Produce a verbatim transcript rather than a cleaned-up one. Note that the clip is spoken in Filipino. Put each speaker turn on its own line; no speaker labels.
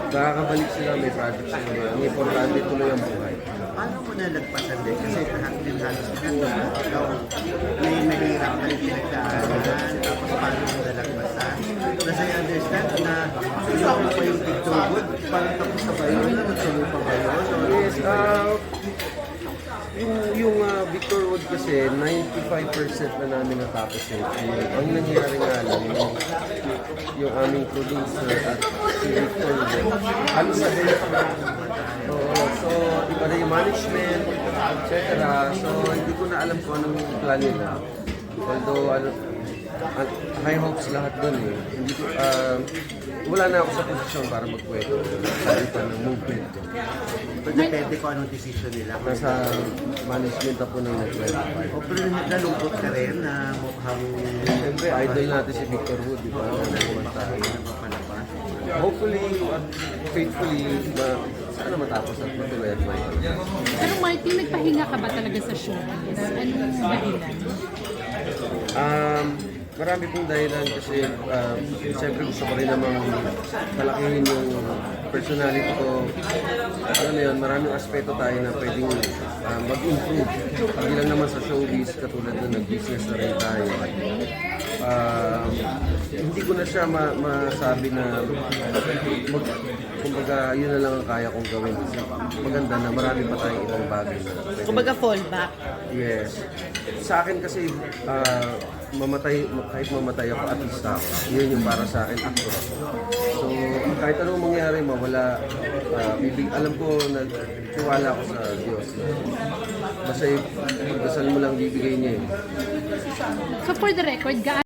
Nakakabalik sila, may project sila. Ang importante tuloy ang buhay.
Paano mo nalagpasan din? Kasi lahat din halos ginagawa. Ikaw, may mahirap na yung pinagdaanan, tapos paano mo nalagpasan? Kasi I understand na ikaw mo pa yung Victor Wood, parang tapos na ba yun? Nagsulo pa ba yun?
Yes, uh, yung, yung uh, Victor Wood kasi, ninety-five percent na namin natapos yun. Ang nangyari nga lang, yung, yung aming producer at si Victor Wood, halos sa din Oo, so iba na yung management, et cetera. So hindi ko na alam kung anong plan nila. Although ano, an- high hopes lahat dun eh. Hindi ko, uh, wala na ako sa posisyon para magkwento. Sabi pa ng movement ko.
Pero depende kung anong decision nila.
Nasa management na po ng network.
O pero nalungkot ka rin na mukhang
Siyempre, idol natin si Victor Wood, di ba? Kumanta.
napapalabas.
Hopefully, at faithfully, ma sana matapos at matuloy at may.
Pero Martin, nagpahinga ka ba talaga sa showbiz? Anong dahilan?
Um, marami pong dahilan kasi uh, siyempre gusto ko rin namang palakihin yung personality ko. Alam mo yun, maraming aspeto tayo na pwedeng uh, mag-improve. Hindi lang naman sa showbiz, katulad na nag-business na rin tayo. Um, hindi ko na siya ma masabi na mag, kumbaga yun na lang ang kaya kong gawin kasi maganda na marami pa tayong ibang bagay na pwede.
Kumbaga fallback.
Yes. Sa akin kasi ah, mamatay kahit mamatay ako artista ako. Yun yung para sa akin actor ako. So kahit anong mangyari mawala uh, bibig alam ko na tiwala ako sa Diyos. Basta yung dasal mo lang bibigay niya eh.
So for the record, gaano